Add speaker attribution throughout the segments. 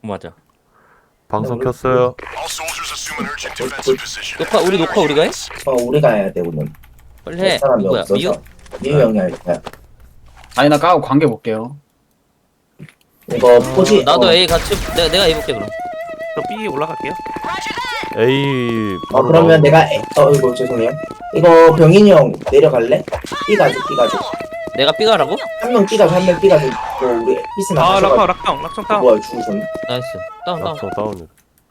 Speaker 1: 맞아.
Speaker 2: 방송 켰어요.
Speaker 1: 우리 녹화 우리가 해?
Speaker 3: 우리가 해야 돼 오늘.
Speaker 1: 빨리 해.
Speaker 3: 사람이
Speaker 1: 누구야?
Speaker 3: 없어서.
Speaker 1: 미유?
Speaker 3: 미유 형이 할 거야.
Speaker 4: 아니 나 까고 관계 볼게요.
Speaker 3: 이거 포지.
Speaker 1: 나도 A 같이 내가 A 볼게 그럼.
Speaker 5: 저 B 올라갈게요.
Speaker 2: A 바로
Speaker 3: 그러면
Speaker 2: 나오고.
Speaker 3: 내가 이거 죄송해요. 이거 병인이 형 내려갈래? B 가줘.
Speaker 1: 내가 B 가라고?
Speaker 3: 한 명 B 가줘, 한 명 B 가줘. 우리 피스나
Speaker 5: 아
Speaker 3: 가져가.
Speaker 5: 락청 다운.
Speaker 3: 뭐야 죽으셨네.
Speaker 1: 나이스. 다운.
Speaker 2: 낙성 다운이다.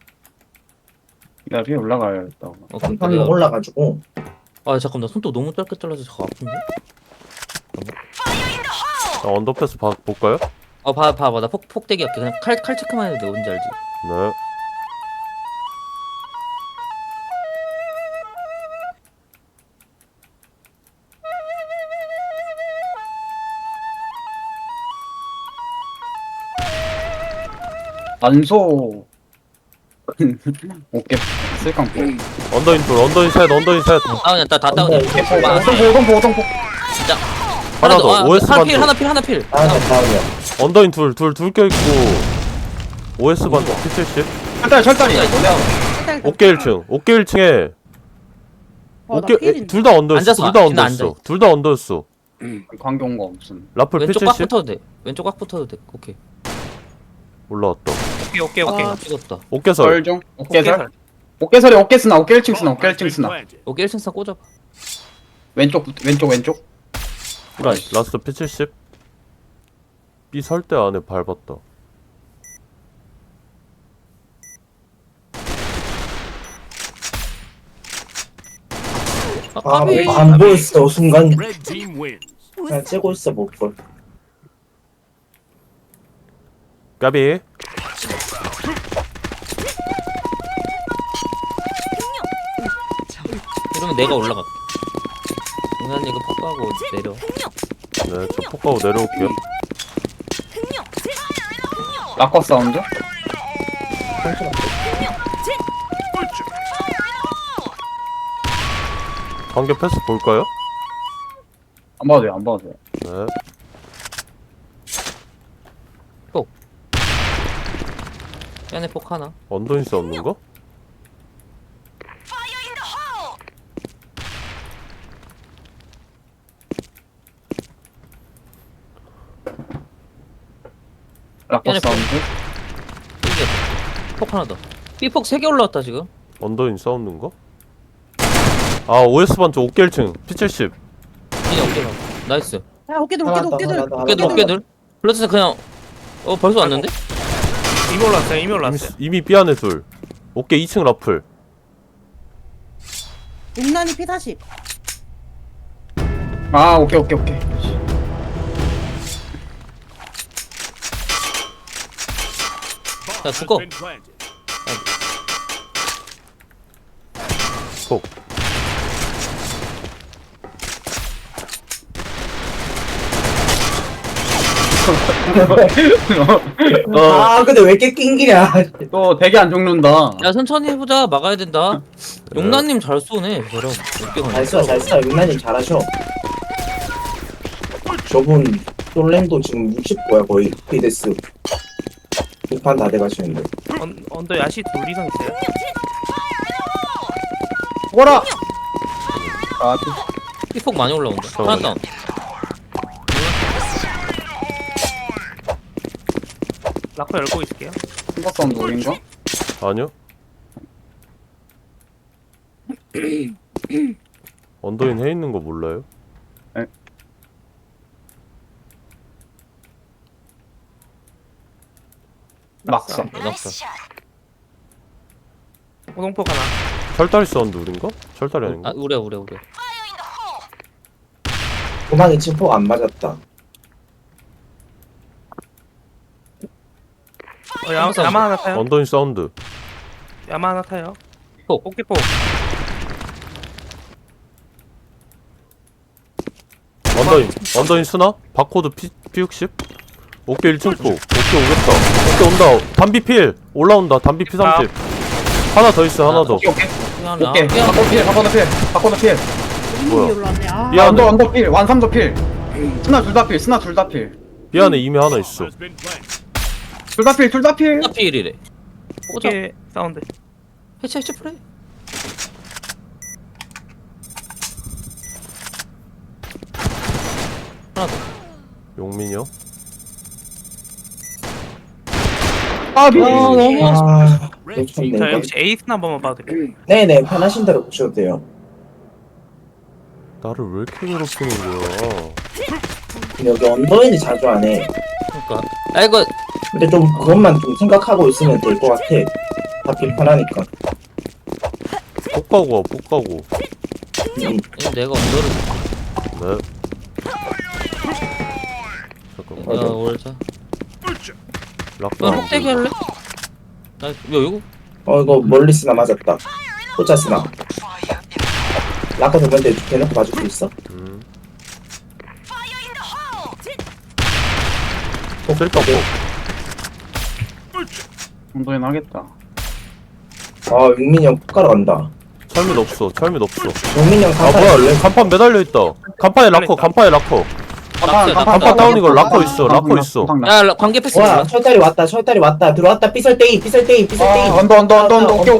Speaker 4: 나 위에 올라가야겠다.
Speaker 1: 그러니까
Speaker 3: 한 명
Speaker 1: 내가.
Speaker 3: 올라가지고.
Speaker 1: 아 잠깐 나 손톱 너무 짧게 잘라서 저거 아픈데?
Speaker 2: 언더패스 볼까요?
Speaker 1: 봐봐 나 폭대기 할게. 그냥 칼 체크만 해도 돼. 뭔지 알지?
Speaker 2: 네.
Speaker 4: 안소. 오케이. 쓸깡포.
Speaker 2: 언더인 둘, 언더인 셋.
Speaker 1: 다운이야. 다 다운이야.
Speaker 4: 오동포.
Speaker 1: 진짜.
Speaker 2: 하나 더. OS
Speaker 1: 하나
Speaker 2: 반쪽.
Speaker 1: 필.
Speaker 3: 다음이야.
Speaker 2: 언더인 둘 껴있고. OS 반쪽 P70.
Speaker 4: 철다리.
Speaker 2: 어깨 1층. 어깨 1층에 어깨 둘 다 언더였어.
Speaker 1: 앉아서
Speaker 2: 둘 다 언더였어.
Speaker 4: 관계 온 거 없음.
Speaker 2: 라플
Speaker 1: 왼쪽 꽉
Speaker 2: P70
Speaker 1: 붙어도 돼. 왼쪽 꽉 붙어도 돼. 오케이.
Speaker 2: 올라왔다.
Speaker 5: 오케이.
Speaker 1: 아 찍었다.
Speaker 2: 어깨설.
Speaker 4: 설중. 어깨설. 어깨설이 어깨 쓰나. 어깨 1층 쓰나. 어깨 1층 쓰나.
Speaker 1: 오케이 1층 꽂아.
Speaker 4: 왼쪽.
Speaker 2: 라스트 P70. B 설대 안에 밟았다.
Speaker 3: 안 보였어 순간. 그냥 째고 있어 못 볼.
Speaker 2: 까비.
Speaker 1: 이러면 내가 올라갈게. 동현이 이거 폭하고 내려.
Speaker 2: 네, 저 폭가고 내려올게요.
Speaker 4: 락커 사운드.
Speaker 2: 관계 패스 볼까요?
Speaker 4: 안 봐도 돼.
Speaker 2: 네.
Speaker 1: 안에 폭 하나.
Speaker 2: 언더인스 없는 거?
Speaker 4: 락커
Speaker 1: 얘네
Speaker 4: 사운드.
Speaker 1: 이게 폭 하나 더. B폭 3개 올라왔다 지금.
Speaker 2: 언더인스 없는 거? 아, OS 반쪽 어깨 1층 P70.
Speaker 1: 그냥 어깨 나와. 나이스.
Speaker 6: 야 어깨들 어깨들
Speaker 1: 어깨들. 플러스 그냥 벌써 왔는데?
Speaker 5: 이미 올랐어요.
Speaker 2: 이미 B 안에 둘. 어깨 2층 라플.
Speaker 6: 용난이 P40
Speaker 4: 아 오케이.
Speaker 1: 자 죽어.
Speaker 2: 폭.
Speaker 3: 근데 왜 이렇게 낑기냐.
Speaker 4: 또 되게 안 죽는다.
Speaker 1: 야 천천히 해보자. 막아야 된다. 용나님 잘 쏘네. 저런 어깨가.
Speaker 3: 잘 써. 윤나님 잘하셔. 저분 솔랭도 지금 60고야 거의 피데스. 6판 다 돼가시는데.
Speaker 5: 언더 야시 둘 이상 있어요.
Speaker 4: 죽어라. 아
Speaker 1: B폭 많이 올라온다. 하나 다운.
Speaker 5: 락커 열고 있을게요.
Speaker 4: సింగ 사운드 우린가?
Speaker 2: 아니요. 언더인 해 있는 거 몰라요?
Speaker 4: 낙사.
Speaker 1: 낙사.
Speaker 5: 호동폭 하나.
Speaker 2: 철다리 사운드 우린가? 철다리 아닌가?
Speaker 1: 아 우려.
Speaker 3: 도망이 침폭 안 맞았다.
Speaker 5: 야마 하나 타요.
Speaker 2: 언더인 사운드.
Speaker 5: 야마 하나 타요.
Speaker 1: 폭.
Speaker 5: 어깨폭.
Speaker 2: 언더인 쓰나? 바코드 P60? 어깨 1층 폭. 어깨 오겠다. 어깨 온다. 담비 필. 올라온다. 담비 P30. 하나 더 있어. 하나 더.
Speaker 4: 오케이.
Speaker 1: 하나.
Speaker 4: 오케이. 바코드 필.
Speaker 2: 뭐야?
Speaker 6: 이미 올라왔네. 아
Speaker 2: 이 안에
Speaker 4: 언더 필. 완삼도 필. 스나 둘 다 필.
Speaker 2: 이 안에 이미 하나 있어.
Speaker 4: 둘 다 필.
Speaker 1: 피일이래. 오자.
Speaker 5: 오케이 사운드.
Speaker 1: 해체 프레이. 하나 더.
Speaker 2: 용민이 형.
Speaker 4: 아비.
Speaker 1: 너무
Speaker 3: 아,
Speaker 5: 저
Speaker 3: 놓쳤네.
Speaker 5: 역시 에이스나 한 번만 봐도 될까요?
Speaker 3: 네네, 편하신 대로 보셔도 돼요.
Speaker 2: 나를 왜 이렇게 괴롭히는 거야?
Speaker 3: 근데 여기 언더인이 자주 안 해.
Speaker 1: 그러니까. 아 이거
Speaker 3: 근데 좀 그것만 좀 생각하고 있으면 될 것 같아. 잡기 편하니까.
Speaker 2: 폭가고 와, 폭가고.
Speaker 1: 내가 언더를.
Speaker 2: 네. 잠깐만.
Speaker 1: 야 올자.
Speaker 2: 락다.
Speaker 1: 너 폭대기 할래? 나 이거
Speaker 3: 이거 멀리 쓰나 맞았다. 혼자 쓰나. 라커 도면데 대놓고 봐줄 수 있어?
Speaker 2: 쓸까 봐.
Speaker 4: 정도엔 하겠다.
Speaker 3: 아, 용민이 형 폭가러 간다.
Speaker 2: 철민 없어. 철민 없어.
Speaker 3: 용민이 형
Speaker 2: 아
Speaker 3: 간판
Speaker 2: 뭐야?
Speaker 3: 원래
Speaker 2: 간판 매달려 있다. 간판에 락커. 간판에 락커. 간판 다운 이거 락커 있어. 락커 있어.
Speaker 1: 야 관계 패스
Speaker 3: 와,
Speaker 1: 몰라?
Speaker 3: 철다리 왔다. 철다리 왔다. 들어왔다. 삐설대이.
Speaker 4: 언더. 오케이.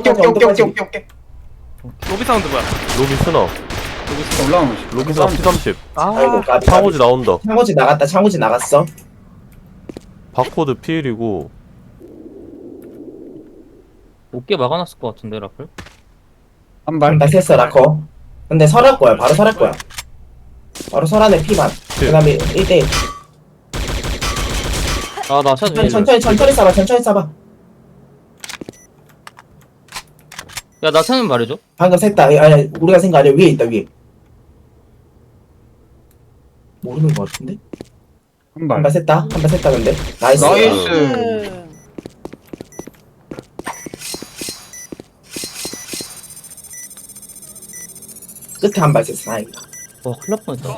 Speaker 5: 로비 사운드 뭐야?
Speaker 2: 로비 스나.
Speaker 4: 올라오는 거.
Speaker 2: 로비 스나 P30.
Speaker 3: 아이고, 까비.
Speaker 2: 창호지 나온다.
Speaker 3: 창호지 나갔다. 창호지 나갔어.
Speaker 2: 바코드 P1이고.
Speaker 1: 어깨 막아놨을 것 같은데 라플?
Speaker 4: 한 발.
Speaker 3: 나 셌어, 라커. 근데 설할 거야. 바로 설할 거야. 바로 설안에 피반. 그 다음에 1대1.
Speaker 1: 아나 샷.
Speaker 3: 천천히 쏴봐. 천천히 쏴봐.
Speaker 1: 야나 차는 말해줘.
Speaker 3: 방금 샜다. 아니, 우리가 생각 아니야. 위에 있다, 위에. 모르는 거 같은데?
Speaker 4: 한
Speaker 3: 한
Speaker 4: 발.
Speaker 3: 발 샜다, 근데. 나이스.
Speaker 4: 나이스.
Speaker 3: 끝에 한 발 샜어. 다행이다.
Speaker 1: 와 큰일 날 뻔했다.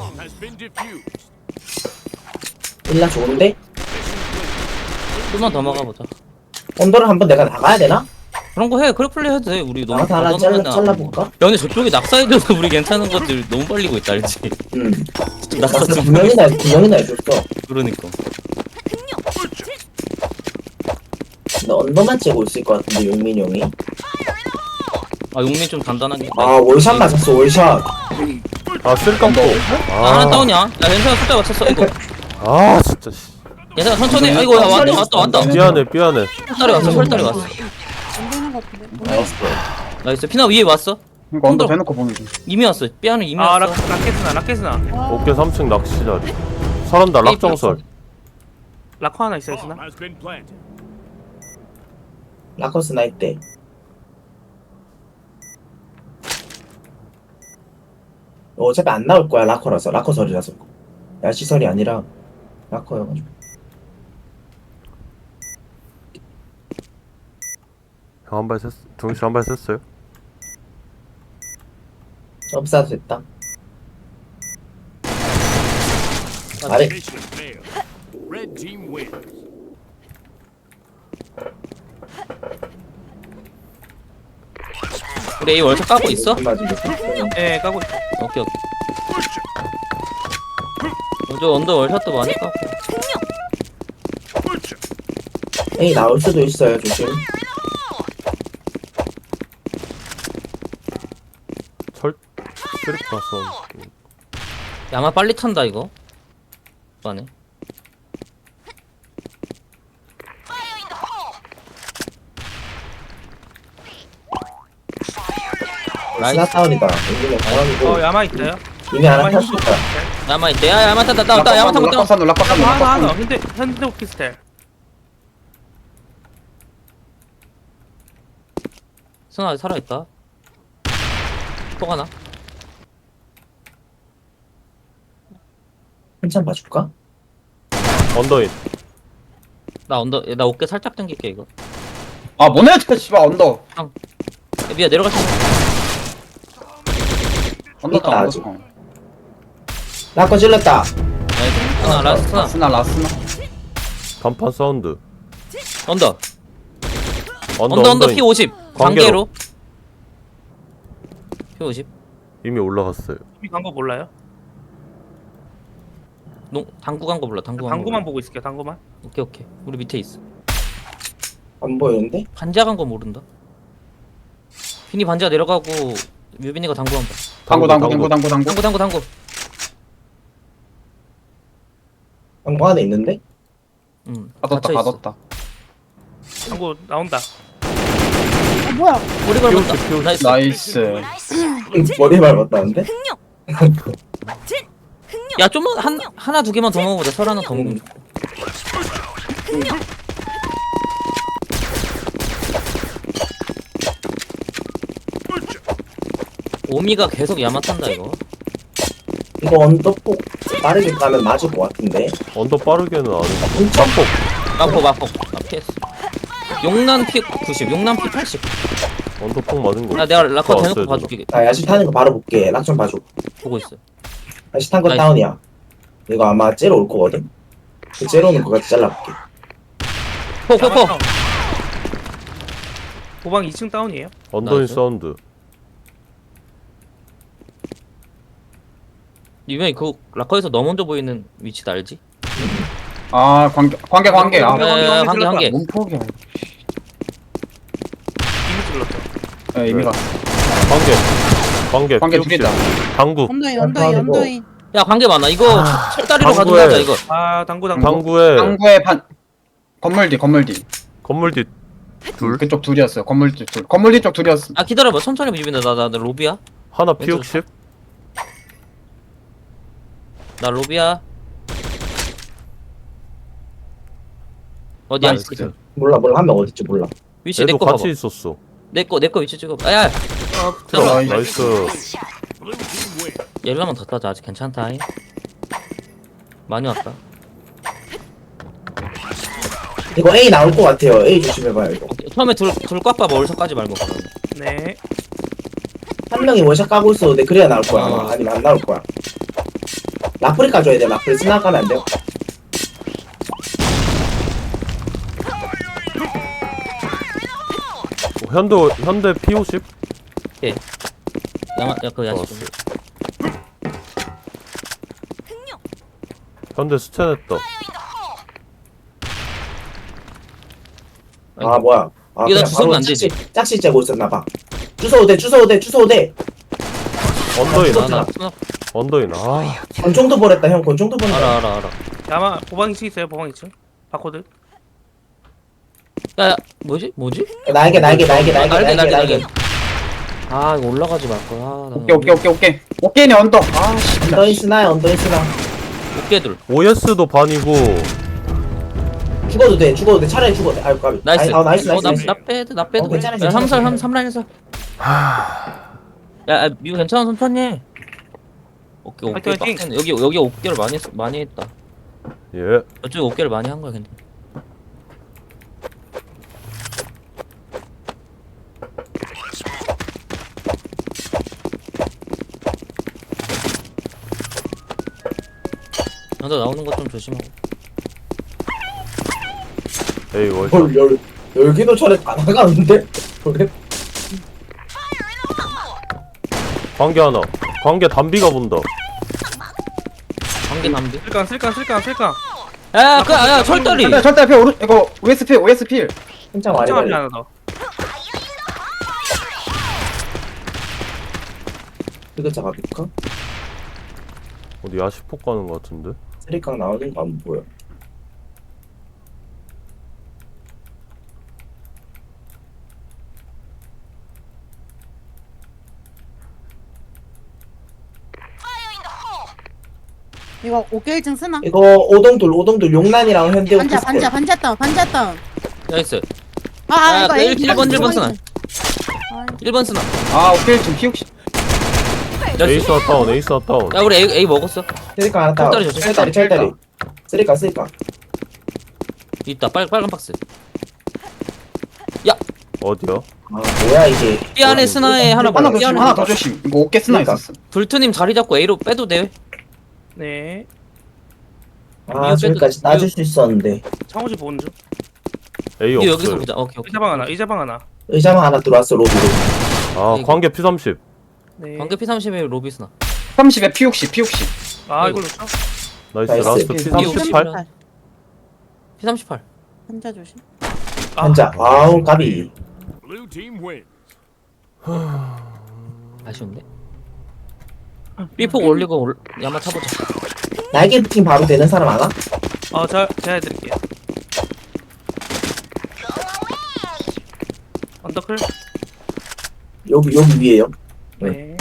Speaker 3: 1라 좋은데?
Speaker 1: 좀만 더 막아보자.
Speaker 3: 언더를 한번 내가 나가야 되나?
Speaker 1: 그런 거 해. 그래 플레이 해도 돼. 우리 너무
Speaker 3: 나가서 하나
Speaker 1: 받아놓으면
Speaker 3: 잘라볼까?
Speaker 1: 야 근데 저쪽이 낙사해줘서 우리 괜찮은 것들 너무 빨리고 있다 알지?
Speaker 3: 응.
Speaker 1: 좀 낙사
Speaker 3: 나도
Speaker 1: 좀
Speaker 3: 두 명이나 해줬어.
Speaker 1: 그러니까.
Speaker 3: 근데 언더만 째고 있을 것 같은데, 용민이 형이.
Speaker 1: 아 용민 좀 단단하게.
Speaker 3: 아, 월샷 맞았어, 월샷.
Speaker 2: 아 쓸깡포.
Speaker 1: 하나 다운이야. 야 괜찮아 숫자 맞췄어. 이거
Speaker 2: 아 진짜. 씨.
Speaker 1: 괜찮아 천천히. 아이고 야 왔다.
Speaker 2: 미안해.
Speaker 1: 설달이 왔어. 설달이 왔어.
Speaker 6: 안 되는 것 같은데.
Speaker 3: 나이스.
Speaker 1: 나이스. 피나 위에 왔어.
Speaker 4: 이거 언더 대놓고 보는 중.
Speaker 1: 이미 왔어. 삐아는 이미
Speaker 5: 아
Speaker 1: 왔어.
Speaker 5: 라켓스나.
Speaker 2: 어깨 3층 낚시 자리. 설한다. 락정설.
Speaker 5: 라커 하나 있어 에이스나.
Speaker 3: 라커스 나이 때. 어차피 안 나올 거야, 라커라서. 라커설이라서. 야시설이 아니라 라커여가지고.
Speaker 2: 형 한 발 셌어. 정씨 한 발 셌어요?
Speaker 3: 점사도 됐다. 잘해.
Speaker 1: 우리 A 월차 까고 있어?
Speaker 5: 예 까고 있어.
Speaker 1: 오케이. 저 언더 월샷도 많이 까고.
Speaker 3: 에이, 나올 수도 있어요, 조심.
Speaker 2: 철 트릭 봤어.
Speaker 1: 야마 빨리 탄다 이거. 안에. 나이스.
Speaker 3: 스나다운이다. 여기는 사람이고.
Speaker 5: 야마 있어요?
Speaker 3: 이미 하나 탔을 거야.
Speaker 1: 야마 있대. 야 야마 탔다. 야마 타고 타.
Speaker 4: 락커
Speaker 5: 하나. 현대 오피스텔.
Speaker 1: 선아 아직 살아있다. 또 하나.
Speaker 3: 한참 봐줄까?
Speaker 2: 언더인.
Speaker 1: 나 어깨 살짝 당길게 이거.
Speaker 4: 아 뭐네 저 씨발 언더.
Speaker 1: 야, 미야 내려갈 수 있어.
Speaker 4: 언더
Speaker 3: 있다,
Speaker 4: 다
Speaker 3: 아직.
Speaker 4: 언더.
Speaker 3: 라커 찔렀다.
Speaker 1: 나이스. 하나 라스트 하나.
Speaker 4: 라스나.
Speaker 2: 간판 사운드.
Speaker 1: 언더
Speaker 2: 언더
Speaker 1: P 50
Speaker 2: 관계로.
Speaker 1: 관계로 P 50
Speaker 2: 이미 올라갔어요.
Speaker 5: 이미 간거 몰라요?
Speaker 1: 당구 간 거 몰라. 당구 간 거.
Speaker 5: 당구만 보고 있을게요. 당구만.
Speaker 1: 오케이 우리 밑에 있어.
Speaker 3: 안 보이는데?
Speaker 1: 반지하 간 거 모른다. 빈이 반지하 내려가고 뮤빈이가 당구한다.
Speaker 4: 당구.
Speaker 1: 당구.
Speaker 3: 방구 안에 있는데?
Speaker 4: 가뒀다
Speaker 1: 갇혀있어.
Speaker 4: 가뒀다.
Speaker 5: 당구 나온다.
Speaker 6: 뭐야?
Speaker 1: 머리 밟았다.
Speaker 2: 피우십.
Speaker 1: 나이스.
Speaker 4: 나이스.
Speaker 3: 머리 밟았다는데?
Speaker 1: 야 좀만 하나 두 개만 더 먹어보자. 설 하나 더 먹으면. 오미가 계속 야마탄다 이거.
Speaker 3: 이거 언더폭 빠르게 가면 맞을 것 같은데?
Speaker 2: 언더 빠르게는 안 해.
Speaker 3: 엄청
Speaker 1: 마폭 피했어. 용난 피 90, 용난 피 80.
Speaker 2: 언더 폭 맞은 거.
Speaker 1: 야 내가 라커
Speaker 2: 왔어요,
Speaker 1: 대놓고
Speaker 2: 누나.
Speaker 1: 봐줄게.
Speaker 3: 나 야시 타는 거 바로 볼게. 락 좀 봐줘.
Speaker 1: 보고 있어.
Speaker 3: 야시 탄 거
Speaker 1: 나이스.
Speaker 3: 다운이야. 이거 아마 째로 올 거거든? 그 째로 오는 거 같이 잘라볼게.
Speaker 1: 포.
Speaker 5: 보방 2층 다운이에요.
Speaker 2: 언더인
Speaker 1: 나이스.
Speaker 2: 사운드.
Speaker 1: 유명히 그 라커에서 너 먼저 보이는 위치도 알지?
Speaker 4: 아 관계. 아
Speaker 5: 관계.
Speaker 1: 한 개.
Speaker 4: 몸폭이야.
Speaker 5: 이미 질렀죠.
Speaker 4: 예, 이미
Speaker 2: 네.
Speaker 4: 갔어.
Speaker 2: 관계
Speaker 4: 관계 두
Speaker 2: 피우십.
Speaker 4: 개다.
Speaker 2: 당구.
Speaker 6: 언더인.
Speaker 1: 야 관계 많아. 이거 철다리로
Speaker 2: 당구에.
Speaker 1: 가든가 이거.
Speaker 5: 아 당구.
Speaker 2: 당구에
Speaker 4: 당구의 반. 건물 뒤.
Speaker 2: 건물 뒤
Speaker 4: 둘. 그쪽 둘이었어요. 건물 뒤 둘. 건물 뒤쪽 둘이었어.
Speaker 1: 아 기다려봐. 천천히 비비네. 나 로비야.
Speaker 2: 하나
Speaker 1: 왼쪽.
Speaker 2: 피육십.
Speaker 1: 나 로비야. 어디야?
Speaker 4: 나이스.
Speaker 3: 몰라 한 명 어딨지 몰라.
Speaker 1: 위치
Speaker 2: 얘도
Speaker 1: 내거 봐봐.
Speaker 2: 같이 있었어.
Speaker 1: 내거 위치 찍어. 아야. 들어가.
Speaker 4: 나이스.
Speaker 2: 나이스.
Speaker 1: 열라만 더 따자. 아직 괜찮다. 많이 왔다.
Speaker 3: 이거 A 나올 것 같아요. A 조심해봐요 이거.
Speaker 1: 처음에 둘 꽉 봐. 월석까지 말고.
Speaker 5: 네.
Speaker 3: 한 명이 원샷 까고 있었는데 그래야 나올 거야 아마. 아니면 안 나올 거야. 라프리 까줘야 돼. 라프리 스나가면 안 돼요.
Speaker 2: 현대 P50.
Speaker 1: 그 야식.
Speaker 2: 좋았어. 현대 스탠했다.
Speaker 3: 아 뭐야. 아,
Speaker 1: 이거 나
Speaker 3: 그냥
Speaker 1: 주워면
Speaker 3: 바로
Speaker 1: 안 되지.
Speaker 3: 짝시 째고 있었나봐. 주워오대.
Speaker 2: 언더인.
Speaker 1: 아, 나
Speaker 2: 언더인. 아.
Speaker 3: 권총도 버렸다 형. 권총도 버렸다.
Speaker 1: 알아.
Speaker 5: 아마 보방 2층 있어요. 보방 2층. 바코드.
Speaker 1: 야, 뭐지?
Speaker 3: 날개.
Speaker 1: 날개. 아, 이거 올라가지 말 거야.
Speaker 4: 오케이. 오케이네 언더. 아 씨.
Speaker 3: 언더인 스나.
Speaker 1: 어깨들.
Speaker 2: OS도 반이고.
Speaker 3: 죽어도 돼. 차라리 죽어도 돼. 아유 까비.
Speaker 1: 나이스.
Speaker 3: 나이스.
Speaker 1: 나 빼드.
Speaker 3: 괜찮아.
Speaker 1: 야, 3라인에서. 야, 미국 괜찮아. 천천히 해. 어깨
Speaker 5: 화이팅.
Speaker 1: 빡세네. 여기 어깨를 많이 했다.
Speaker 2: 예.
Speaker 1: 저쪽에 어깨를 많이 한 거야, 근데. 먼저 나오는 것 좀 조심하고.
Speaker 2: 에이 월샷.
Speaker 3: 뭘 열기도 전에 다 나가는데? 그래?
Speaker 2: 관계 하나. 관계 담비가 본다.
Speaker 1: 관계 담비.
Speaker 5: 쓸까.
Speaker 1: 야, 철다리.
Speaker 4: 절대 앞에 오른 이거 OSP.
Speaker 3: 한참 많이
Speaker 5: 앞에
Speaker 3: 걸려.
Speaker 5: 하나 더.
Speaker 3: 뜨거자 가볼까?
Speaker 2: 어디 야시폭 가는 거 같은데?
Speaker 3: 쓰리깡 나오는 거 안 보여.
Speaker 6: 이거 어깨 1층 쓰나?
Speaker 3: 이거 오동돌 용난이랑 현대
Speaker 6: 반자
Speaker 3: 오피스텔.
Speaker 6: 반자 다운.
Speaker 1: 나이스.
Speaker 6: 아 이거 A
Speaker 1: 1번 쓰나. 1번 쓰나.
Speaker 4: 아 오케이 좀 피우시.
Speaker 2: 에이스 다운.
Speaker 1: 야, 우리 A 먹었어.
Speaker 3: 쓰리깡 하나 따.
Speaker 1: 철다리 조심.
Speaker 3: 철다리. 쓰리깡.
Speaker 1: 있다. 빨간 박스.
Speaker 2: 어디야?
Speaker 3: 아 뭐야 이게.
Speaker 1: B 안에 스나에 하나
Speaker 4: 하나
Speaker 1: B 안에
Speaker 4: 하나 더 조심. 이거 어깨 쓰나
Speaker 3: 그러니까.
Speaker 4: 있었어.
Speaker 1: 불투님 자리 잡고 A로 빼도 돼.
Speaker 5: 네.
Speaker 3: 아 저기까지 따줄 수 있었는데.
Speaker 5: 창호지 보는 중.
Speaker 2: A
Speaker 1: 이거 여기서
Speaker 2: 없어요.
Speaker 1: 보자. 오케이.
Speaker 5: 의자방 하나.
Speaker 3: 의자만 하나 들어왔어 로비로.
Speaker 2: 아 관계 P30.
Speaker 5: 네.
Speaker 1: 관계 P30에 로비 스나.
Speaker 4: 30에 P60.
Speaker 5: 아 이걸 놓쳐?
Speaker 2: 나이스.
Speaker 3: 나이스.
Speaker 2: 라스트 P38.
Speaker 1: P38.
Speaker 6: 반자 조심.
Speaker 3: 한자. 아우 까비.
Speaker 7: Blue team win.
Speaker 1: 아쉬운데. 삐폭 올리고 야마 타보자.
Speaker 3: 날개 부팅 바로 되는 사람 안 와?
Speaker 5: 제가 해드릴게요. 언더클.
Speaker 3: 여기 위에요.
Speaker 5: 네.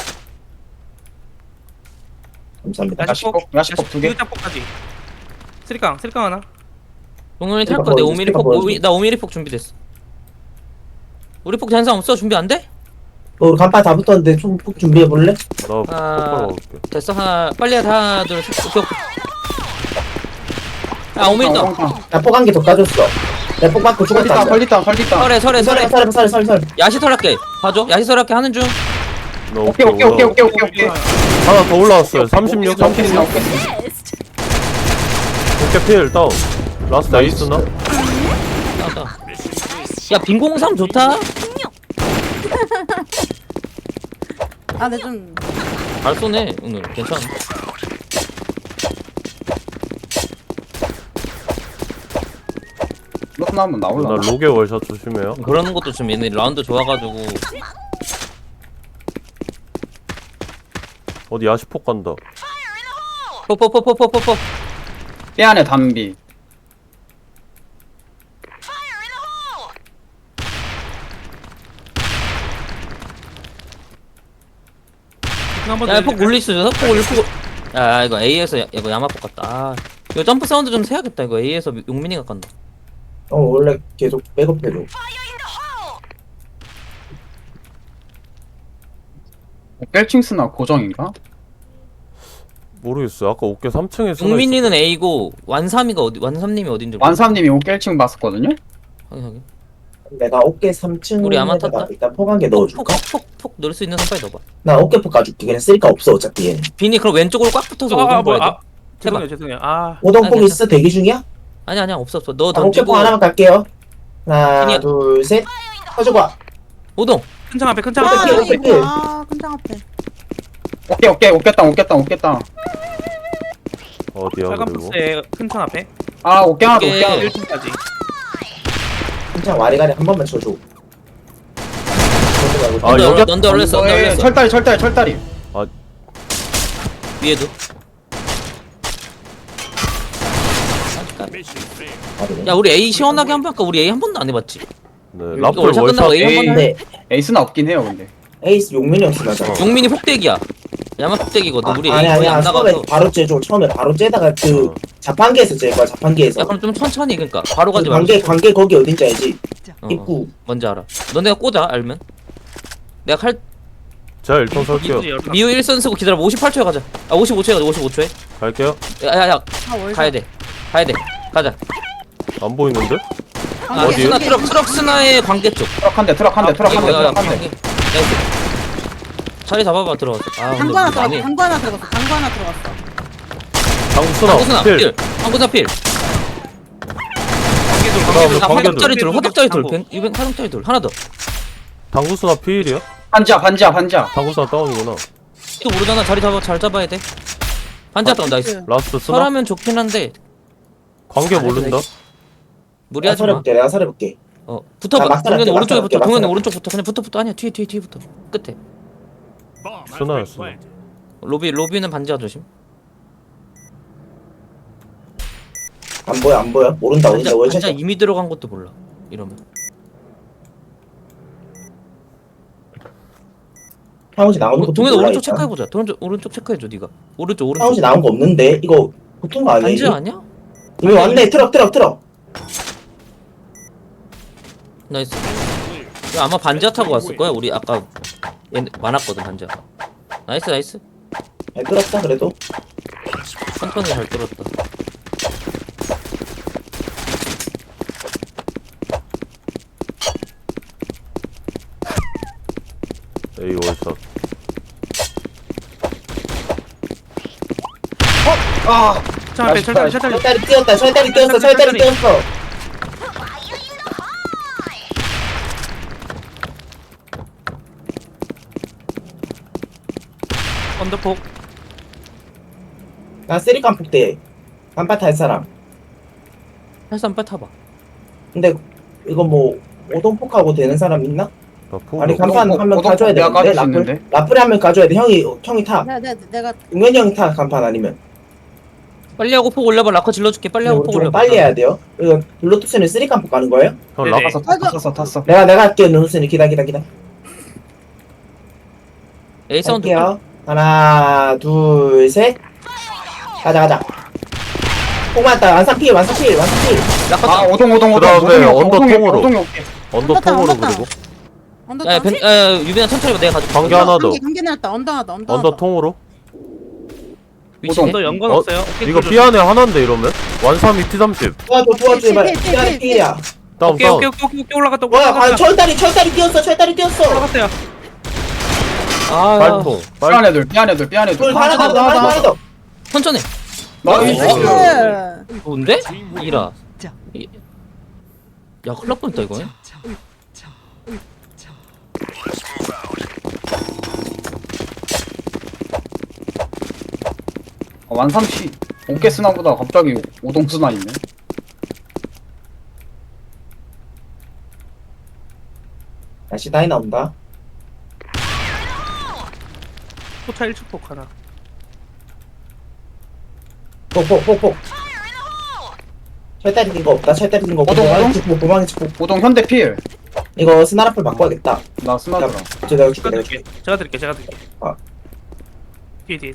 Speaker 3: 감사합니다.
Speaker 4: 야시폭 두 개.
Speaker 5: 짝폭까지. 쓰리깡 하나.
Speaker 1: 동현이
Speaker 3: 스피커
Speaker 1: 탈 거 내
Speaker 3: 보여줘,
Speaker 1: 5mm
Speaker 3: 스피커
Speaker 1: 폭
Speaker 3: 보여줘.
Speaker 1: 나 5mm 폭 준비됐어. 우리 폭 잔상 없어? 준비 안 돼?
Speaker 3: 우리 간판 다 붙었는데 총폭 준비해 볼래?
Speaker 2: 나 폭발 먹을게.
Speaker 1: 됐어. 하나 빨리 하나 둘 셋. 오케이. 아 5mm 떠.
Speaker 3: 나 폭 한 개 더 까줬어. 내 폭 맞고 죽었다.
Speaker 4: 걸리다.
Speaker 1: 설에
Speaker 3: 설.
Speaker 1: 야시설할게. 봐줘. 야시설할게 하는 중.
Speaker 2: 나
Speaker 4: 오케이.
Speaker 2: 하나 더 올라왔어요. 36.
Speaker 4: 오케이 쓰나.
Speaker 2: 어깨 필 다운. 라스트 에이스나?
Speaker 1: 나왔다. 야 빈공삼 좋다.
Speaker 6: 아, 근데 좀
Speaker 1: 잘 쏘네 오늘. 괜찮아.
Speaker 4: 로스 나오면
Speaker 2: 나
Speaker 4: 나올라.
Speaker 2: 로게 월샷 조심해요.
Speaker 1: 그러는 것도 좀 얘네 라운드 좋아가지고.
Speaker 2: 어디 야시폭 간다.
Speaker 1: 포포포포포포포.
Speaker 4: 뼈 안에 담비.
Speaker 5: 한번
Speaker 1: 야폭 올릴 수 있어. 폭 올릴 폭. 야 이거 A에서 이거 야마폭 같다. 아, 이거 점프 사운드 좀 세야겠다. 이거 A에서 용민이가 간다.
Speaker 3: 원래 계속 백업해줘.
Speaker 4: 뺄칭 쓰나 고정인가?
Speaker 2: 모르겠어요. 아까 어깨 3층에 쓰나
Speaker 1: 용민이는 A고 완삼이가 어디 완삼님이 어딘지 모르겠어.
Speaker 4: 완삼님이 오깰칭 봤었거든요?
Speaker 1: 확인.
Speaker 3: 내가 어깨 3층
Speaker 1: 우리 아마 탔다?
Speaker 3: 일단 폭 한 개 넣어줄까?
Speaker 1: 폭 넣을 수 있는 선 빨리 넣어봐.
Speaker 3: 나 어깨 폭 가줄게. 그냥 쓸까 없어 어차피 얘는.
Speaker 1: 빈이 그럼 왼쪽으로 꽉 붙어서 오동 보야 돼. 해봐.
Speaker 5: 죄송해요.
Speaker 3: 오동폭
Speaker 1: 아니,
Speaker 3: 있어? 대기 중이야?
Speaker 1: 아니야 없어. 너
Speaker 3: 어깨
Speaker 1: 던지고
Speaker 3: 폭 하나만 갈게요. 하나
Speaker 1: 빈이야.
Speaker 3: 둘 셋. 가져봐.
Speaker 1: 오동.
Speaker 5: 큰창 앞에
Speaker 6: 아,
Speaker 3: 오케이.
Speaker 6: 이거 아, 끈장 앞에.
Speaker 4: 오깼다.
Speaker 2: 어디야
Speaker 5: 빨간
Speaker 2: 그리고?
Speaker 5: 박스에 큰창 앞에.
Speaker 4: 아, 오깨 하나 더,
Speaker 1: 오케이.
Speaker 4: 오깨 하나 더.
Speaker 5: 1층까지.
Speaker 3: 한창 와리가리 한 번만 쳐줘.
Speaker 2: 아,
Speaker 1: 넌데
Speaker 2: 여기-
Speaker 1: 넌데 올렸어. 넌데
Speaker 4: 예,
Speaker 1: 올렸어.
Speaker 4: 철다리.
Speaker 1: 위에도.
Speaker 7: Mission failed.
Speaker 1: 야 우리 A 시원하게 한 번 할까? 우리 A 한 번도 안 해봤지.
Speaker 2: 네,
Speaker 1: 이거
Speaker 2: 라플
Speaker 1: 월샷 끝나고
Speaker 2: 월샷.
Speaker 1: A 한 번.
Speaker 3: 근데
Speaker 4: 에이스는 없긴 해요, 근데.
Speaker 3: 에이스 용민이 없어 맞아.
Speaker 1: 용민이 폭대기야. 야마 폭대기거든. 우리 A
Speaker 3: 아니
Speaker 1: 거의
Speaker 3: 아니야.
Speaker 1: 안
Speaker 3: 처음에
Speaker 1: 나가서.
Speaker 3: 바로 째줘. 처음에 바로 째다가 그
Speaker 2: 어.
Speaker 3: 자판기에서 째 거야. 자판기에서.
Speaker 1: 야 그럼 좀 천천히 그러니까 바로 가지
Speaker 3: 그
Speaker 1: 말고.
Speaker 3: 관계 거기 어딘지 알지?
Speaker 1: 어,
Speaker 3: 입구.
Speaker 1: 뭔지 알아. 너네가 꽂아 알면. 내가 칼
Speaker 2: 제가 일단 설게요.
Speaker 1: 미우 1선 쓰고 기다려. 58초에 가자. 아 55초에 가자. 55초에.
Speaker 2: 갈게요.
Speaker 1: 야야야
Speaker 6: 아, 월샷.
Speaker 1: 가야 돼. 가자.
Speaker 2: 안 보이는데?
Speaker 1: 아,
Speaker 2: 어디요?
Speaker 1: 스나 트럭 스나의 관계 쪽.
Speaker 4: 트럭 한 대.
Speaker 1: 나이스. 자리 잡아봐 들어갔어. 아
Speaker 6: 당구 하나
Speaker 1: 근데
Speaker 6: 들어갔어. 당구 하나 들어갔어.
Speaker 2: 당수나
Speaker 1: 방구스나
Speaker 2: 필.
Speaker 1: 필. 방구스나 필.
Speaker 2: 그다음에
Speaker 1: 아,
Speaker 2: 관계도.
Speaker 1: 화덕짜리 둘. 화덕짜리 둘. 이번 화덕짜리 둘. 하나 더.
Speaker 2: 당구수나 필이야?
Speaker 4: 반지야.
Speaker 2: 당구수나 다운이구나.
Speaker 1: 또 모르잖아. 자리 잘 잡아야 돼. 반자 다운 나이스.
Speaker 2: 라스트 쓰나?
Speaker 1: 설하면 좋긴 한데
Speaker 2: 관계 모른다?
Speaker 1: 무리하지 마.
Speaker 3: 내가 살해볼게.
Speaker 1: 붙어봐.
Speaker 3: 아, 막상
Speaker 1: 동현이
Speaker 3: 할게,
Speaker 1: 오른쪽에
Speaker 3: 막상
Speaker 1: 붙어.
Speaker 3: 할게,
Speaker 1: 동현이
Speaker 3: 막상
Speaker 1: 오른쪽 붙어. 그냥 붙어. 아니야 뒤에 붙어. 끝에.
Speaker 7: Bomb has been
Speaker 2: 스나였어.
Speaker 7: planted.
Speaker 1: 로비는 반지하 조심.
Speaker 3: 안 보여. 모른다. 어딘지
Speaker 1: 반자
Speaker 3: 월샷.
Speaker 1: 이미 들어간 것도 몰라. 이러면.
Speaker 3: 하우지 나오는 것도
Speaker 1: 동현이
Speaker 3: 몰라,
Speaker 1: 오른쪽
Speaker 3: 일단.
Speaker 1: 체크해보자. 오른쪽 체크해줘 네가. 오른쪽.
Speaker 3: 하우지 나온 거 없는데 이거 보통 거 아니야?
Speaker 1: 반지
Speaker 3: 이거?
Speaker 1: 아니야?
Speaker 3: 이미 왔네. 트럭.
Speaker 1: 나이스. 이거 아마 반지하 타고 왔을 거야. 우리 아까 얘 많았거든 반지하. 나이스.
Speaker 3: 잘 끌었다 그래도.
Speaker 1: 천천히 잘 뚫었다.
Speaker 2: A 월샷.
Speaker 5: 큰창 앞에 철다리.
Speaker 3: 철다리 뛰었다. 철다리 뛰었어.
Speaker 5: 언더폭.
Speaker 3: 나 쓰리칸 폭대. 간판 탈 사람.
Speaker 1: 할수 한번 타봐.
Speaker 3: 근데 이거 뭐 오동폭하고 되는 사람 있나?
Speaker 2: 나 포.
Speaker 3: 아니 간판 한 명 가져야
Speaker 4: 내가
Speaker 3: 되는데
Speaker 4: 까줄 수 있는데.
Speaker 3: 라플이 한 명 가져야 돼. 형이 타.
Speaker 6: 내가
Speaker 3: 용현이 형이 타 간판 아니면.
Speaker 1: 빨리 하고 폭 올려봐. 라커 질러줄게. 빨리 하고 폭
Speaker 3: 좀
Speaker 1: 올려봐.
Speaker 3: 빨리 해야 돼요. 이거 블루투스는 3깜폭 가는 거예요?
Speaker 2: 형
Speaker 5: 네네.
Speaker 2: 락.
Speaker 4: 탔어.
Speaker 3: 내가 할게요. 누누스는 기다.
Speaker 1: A 사운드.
Speaker 3: 할게요. 하나, 둘, 셋. 가자. 폭 맞다. 완산필.
Speaker 1: 라커
Speaker 4: 아
Speaker 1: 다운.
Speaker 4: 오동.
Speaker 2: 그다음에 언더 통으로.
Speaker 4: 오동이 오케이.
Speaker 2: 언더
Speaker 6: 언더
Speaker 2: 통으로
Speaker 6: 다운.
Speaker 2: 그리고
Speaker 6: 언더
Speaker 1: 야,
Speaker 6: 다운.
Speaker 1: 유빈아 천천히 봐. 내가 가져.
Speaker 2: 관계 하나 더.
Speaker 6: 관계 내렸다. 언더 하나.
Speaker 2: 언더 통으로.
Speaker 1: 위치.
Speaker 4: 오동.
Speaker 5: 너 연관
Speaker 2: 어,
Speaker 5: 없어요? 오케이,
Speaker 2: 이거
Speaker 5: 뚫어줘.
Speaker 2: B 안에 하나인데 이러면 완삼이 T30
Speaker 3: 도와줘. 제발.
Speaker 6: 필.
Speaker 3: 미안해, 필이야.
Speaker 2: 다운
Speaker 5: 오케이,
Speaker 2: 다운.
Speaker 5: 오케이, 올라갔다.
Speaker 3: 와, 철다리 뛰었어.
Speaker 5: 올라갔어요.
Speaker 1: 아,
Speaker 2: 빨통.
Speaker 4: 삐안 애들.
Speaker 3: 둘, 하나 더.
Speaker 1: 천천히.
Speaker 4: 나이스.
Speaker 6: 나이스.
Speaker 1: 좋은데? 이라. 야, 큰일 날 뻔했다 이거.
Speaker 4: 완삼시 어깨 스나보다 갑자기 오동 스나 있네.
Speaker 3: 다시 다이 나온다.
Speaker 5: 포차 1초 폭 하나.
Speaker 3: 폭. 철다리 뛴거 없다. 도망이 찍고.
Speaker 4: 오동 현대 필.
Speaker 3: 이거 스나라플 바꿔야겠다.
Speaker 4: 나 스나더라.
Speaker 3: 내가
Speaker 5: 제가
Speaker 3: 줄게.
Speaker 5: 드릴게.
Speaker 3: 아.
Speaker 5: 뒤에.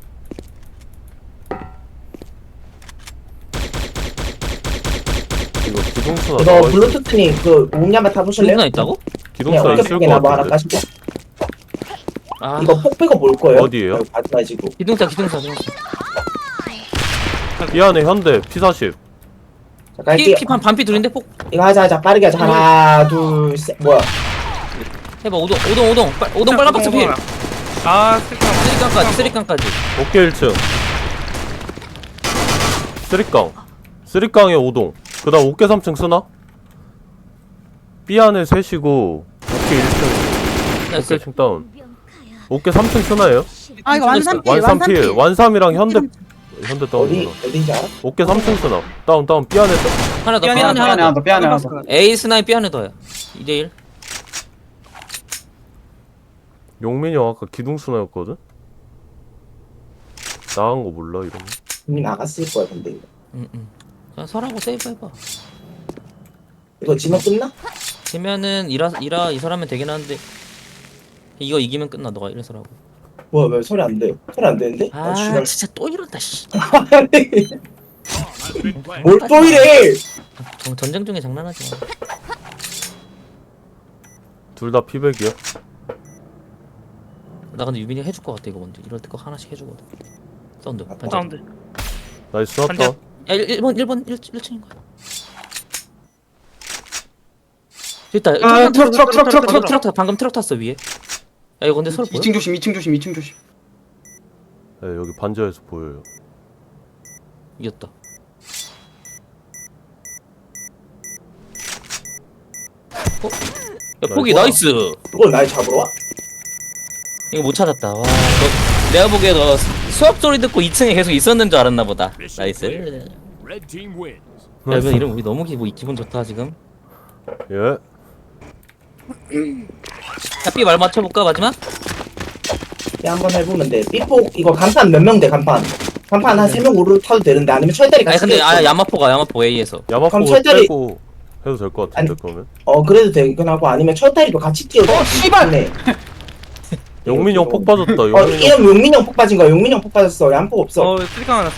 Speaker 2: 이거 기동수나
Speaker 3: 이거
Speaker 2: 나와 있어.
Speaker 3: 블루투스니 그 목냐마 타보실래요?
Speaker 1: 누나 있다고?
Speaker 2: 기동수나
Speaker 3: 어깨
Speaker 2: 있을
Speaker 3: 폭이나
Speaker 2: 것
Speaker 3: 뭐 하나
Speaker 2: 같은데.
Speaker 3: 까시고.
Speaker 1: 아,
Speaker 3: 이거 폭 빼고 뭘 거예요?
Speaker 2: 어디예요?
Speaker 3: 하지 마시고.
Speaker 1: 기둥사.
Speaker 2: B 안에 현대 P40
Speaker 3: 자, 갈게요.
Speaker 1: 피 반피 둘인데 폭
Speaker 3: 이거 하자. 빠르게 하자. 하나, 둘, 셋. 뭐야?
Speaker 1: 해봐. 오동 빨간 박스 필.
Speaker 5: 아, 쓸까.
Speaker 1: 쓰리깡까지.
Speaker 2: 어깨 1층 쓰리깡에 오동 그다음 어깨 3층 쓰나? B 안에 셋이고 어깨 1층
Speaker 1: 나이스.
Speaker 2: 어깨 1층 다운 어깨 3층 쓰나예요?
Speaker 6: 아 이거 완산필.
Speaker 2: 완삼필 완삼이랑 현대
Speaker 3: 어디
Speaker 2: 다운이구나
Speaker 3: 어딘지 알아?
Speaker 2: 어깨 3층 쓰나 다운 B 안에
Speaker 1: 하나 더.
Speaker 5: 삐안에
Speaker 1: 삐안에 하나 더.
Speaker 4: 삐안에 하나 더.
Speaker 1: A 스나이 삐안에 더야. 2대1.
Speaker 2: 용민이 형 아까 기둥수나였거든? 나간 거 몰라 이러면
Speaker 3: 이미 나갔을 거야 근데 이거.
Speaker 1: 응. 그냥 설하고 세이브 해봐.
Speaker 3: 이거 지면 끝나?
Speaker 1: 지면은 이라 이 사람은 되긴 하는데 이거 이기면 끝나. 너가 이래서라고.
Speaker 3: 뭐야 왜 소리 안 돼? 소리 안 되는데?
Speaker 1: 아,
Speaker 3: 지랄.
Speaker 1: 진짜 또 이런다 씨.
Speaker 7: Has been planted.
Speaker 3: 뭘 또 이래?
Speaker 1: 전쟁 중에 장난하지 마.
Speaker 2: 둘 다 피백이야
Speaker 1: 나 근데 유빈이 해줄 것 같아 이거 먼저. 이럴 때 꼭 하나씩 해주거든. 사운드. 반전.
Speaker 5: 사운드.
Speaker 2: 나이스 스나다
Speaker 5: 반전.
Speaker 1: 야 1층인 거야. 됐다. 트럭 방금 트럭 탔어 위에. 야 이거 근데 서로 보여?
Speaker 4: 2층 조심. 2층 조심.
Speaker 2: 네, 여기 반지하에서 보여요
Speaker 1: 이겼다. 어? 야 포기 나이스.
Speaker 3: 그걸 날 잡으러 와?
Speaker 1: 이거 못 찾았다. 와, 너 내가 보기에 너 수업 소리 듣고 2층에 계속 있었는 줄 알았나 보다. 나이스.
Speaker 7: Red team wins.
Speaker 1: 야, 이거 이름 우리 너무 기분 좋다 지금.
Speaker 2: 예
Speaker 1: 야, B 말 맞춰볼까 마지막?
Speaker 3: 네, 한번 해보면 돼. 삐폭 이거 간판 몇 명 돼 간판? 간판 한 3명 오르 타도 되는데 아니면 철다리
Speaker 1: 아니
Speaker 3: 같이
Speaker 1: 근데
Speaker 3: 끼워 있어.
Speaker 1: 야마포 A에서.
Speaker 3: 그럼
Speaker 2: 야마포
Speaker 3: 철저히-
Speaker 2: 빼고 해도 될 것 같은데 그러면
Speaker 3: 그래도 되긴 하고 아니면 철다리도 같이 끼워.
Speaker 4: 씨발!
Speaker 3: 네.
Speaker 2: 용민이 형 폭 빠졌다 용민이 형
Speaker 3: 이름 용민이 형 폭 빠진 거야. 용민이 형 폭 빠졌어. 양폭 없어.
Speaker 5: 쓸까 하나.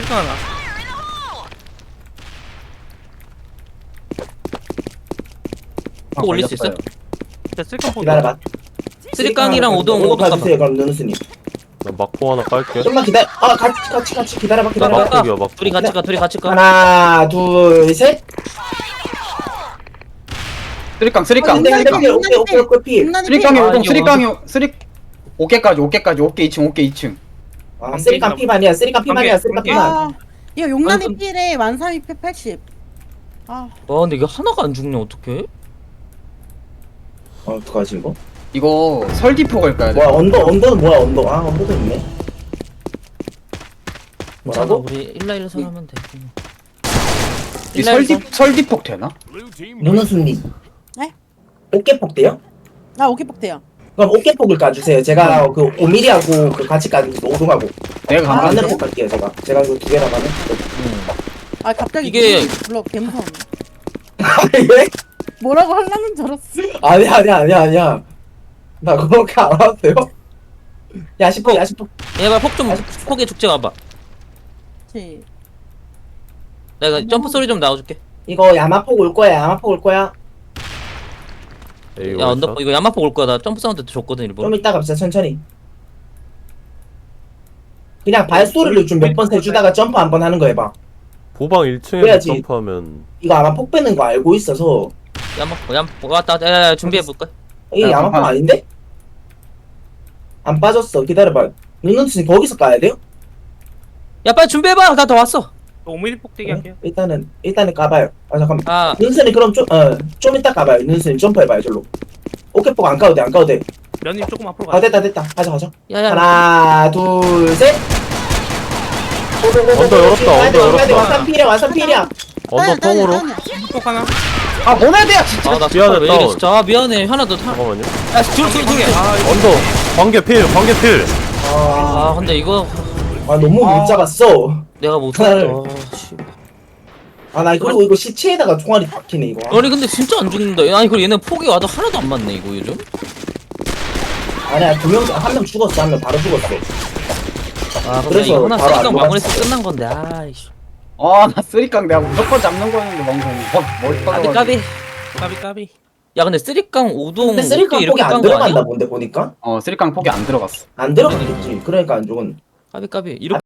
Speaker 1: 폭 올릴 수 있어?
Speaker 5: 자, 쓸까 포.
Speaker 3: 기다려봐.
Speaker 1: 쓰리깡이랑 오동
Speaker 3: 가주세요.
Speaker 1: 가봐.
Speaker 3: 그럼 누누스님.
Speaker 2: 나 막포 하나 깔게
Speaker 3: 좀만 기다려. 같이 기다려봐.
Speaker 1: 나
Speaker 3: 기다려봐.
Speaker 1: 막가.
Speaker 2: 막폭이야, 막폭.
Speaker 1: 둘이 같이 가.
Speaker 3: 하나, 둘, 셋.
Speaker 4: 쓰리깡.
Speaker 3: 오케이, 필.
Speaker 4: 쓰리깡이
Speaker 1: 아,
Speaker 4: 오동.
Speaker 1: 이거
Speaker 4: 쓰리 어깨까지. 어깨 2층.
Speaker 3: 아, 쓰리깡 피반이야. 쓰리깡 피반이야. 쓰리깡 피반.
Speaker 6: 아 이거 용란이
Speaker 1: 완전-
Speaker 6: 필에 완삼이 필 80. 아
Speaker 1: 와 근데 이게 하나가 안 죽냐 어떡해?
Speaker 3: 어떡하지 이거?
Speaker 4: 이거 설디포 갈까야 돼.
Speaker 3: 뭐야 언더는 뭐야 언더? 아 언더도 있네.
Speaker 1: 괜찮아
Speaker 3: 뭐라고?
Speaker 1: 우리 1라1 하면 돼.
Speaker 4: 이 설디폭 되나?
Speaker 7: Blue team
Speaker 3: 문우수님.
Speaker 6: 네?
Speaker 3: 어깨폭 돼요?
Speaker 6: 아 오케이 돼요.
Speaker 3: 그럼 어깨폭을 까주세요. 제가 그 5mm하고 그 같이 까는 5동하고
Speaker 4: 내가
Speaker 6: 아,
Speaker 4: 가만히
Speaker 3: 반대로 폭 갈게요. 제가 이거 두 개나 가면.
Speaker 6: 아 갑자기
Speaker 1: 이게-
Speaker 6: 물론 개무서워.
Speaker 3: 왜?
Speaker 6: 뭐라고 하려는 줄 알았어.
Speaker 3: 아니야. 나 그렇게 안 왔어요. 야식폭.
Speaker 1: 얘가 폭에 죽지 와봐.
Speaker 6: 그치.
Speaker 1: 내가 점프 소리 좀 나와줄게.
Speaker 3: 이거 야마폭 올 거야.
Speaker 2: 에이,
Speaker 1: 야 언더
Speaker 2: 월샷.
Speaker 1: 이거 야마폭 올 거야. 나 점프 사운드 줬거든 일부러.
Speaker 3: 좀 이따 갑시다. 천천히. 그냥 발소리를 좀 몇 번 세주다가 점프 한 번 하는 거 해봐.
Speaker 2: 보방 1층에서
Speaker 3: 그래야지.
Speaker 2: 점프하면
Speaker 3: 이거 아마 폭 빼는 거 알고 있어서
Speaker 1: 야마폭 왔다. 야 준비해 볼까?
Speaker 3: 이게
Speaker 4: 야,
Speaker 3: 야마폭
Speaker 4: 잠깐.
Speaker 3: 아닌데? 안 빠졌어. 기다려봐. 윤은순이 거기서 까야 돼요?
Speaker 1: 야 빨리 준비해봐. 나 더 왔어.
Speaker 5: 5mm 폭대기 할게요.
Speaker 3: 일단은 까봐요. 아 잠깐만.
Speaker 1: 아
Speaker 3: 윤순이 그럼 좀 이따 까봐요. 윤순이 점프해봐요. 절로. 어깨폭 안 까도 돼.
Speaker 5: 면님 조금 앞으로
Speaker 3: 아
Speaker 5: 가.
Speaker 3: 됐다. 가자.
Speaker 1: 야야.
Speaker 3: 하나 둘 셋.
Speaker 2: 언더 열었다.
Speaker 3: 완선 필이야.
Speaker 2: 언더 똥으로.
Speaker 5: 폭 하나.
Speaker 4: 아 보내야 돼야 진짜.
Speaker 1: 아나
Speaker 2: 미안해,
Speaker 1: 왜 이래
Speaker 2: 다운.
Speaker 1: 진짜. 아 미안해. 하나 더 타.
Speaker 2: 잠깐만요.
Speaker 1: 야둘
Speaker 5: 아 이거
Speaker 2: 언더 관계 필.
Speaker 1: 아 근데 이거
Speaker 3: 아 너무 못 잡았어.
Speaker 1: 내가 못
Speaker 3: 하나를.
Speaker 1: 쳤어. 아, 씨.
Speaker 3: 나 그리고 이거 시체에다가 총알이 박히네 이거.
Speaker 1: 아니 근데 진짜 안 죽는다. 아니 그리고 얘는 폭이 와도 하나도 안 맞네 이거 요즘.
Speaker 3: 아니야 한 명 죽었어. 한 명 바로 죽었어.
Speaker 1: 아 그래
Speaker 3: 그래서
Speaker 1: 이거 하나
Speaker 3: 바로 안
Speaker 1: 쓰리깡
Speaker 3: 녹았어.
Speaker 1: 마무리해서 끝난 건데. 아이씨.
Speaker 4: 아나 쓰리깡 내가 무조건 잡는 거였는데 방금 머리
Speaker 1: 까비
Speaker 4: 빠져가지고.
Speaker 1: 까비.
Speaker 5: 까비.
Speaker 1: 야 근데 쓰리깡 5동
Speaker 3: 근데 쓰리깡
Speaker 1: 이렇게
Speaker 3: 폭이 안
Speaker 1: 깐 거
Speaker 3: 들어간다
Speaker 1: 아니야?
Speaker 3: 본데 보니까
Speaker 4: 쓰리깡 폭이 안 들어갔어.
Speaker 3: 안 들어갔겠지. 그러니까 안 죽은.
Speaker 1: 까비 까비 이렇게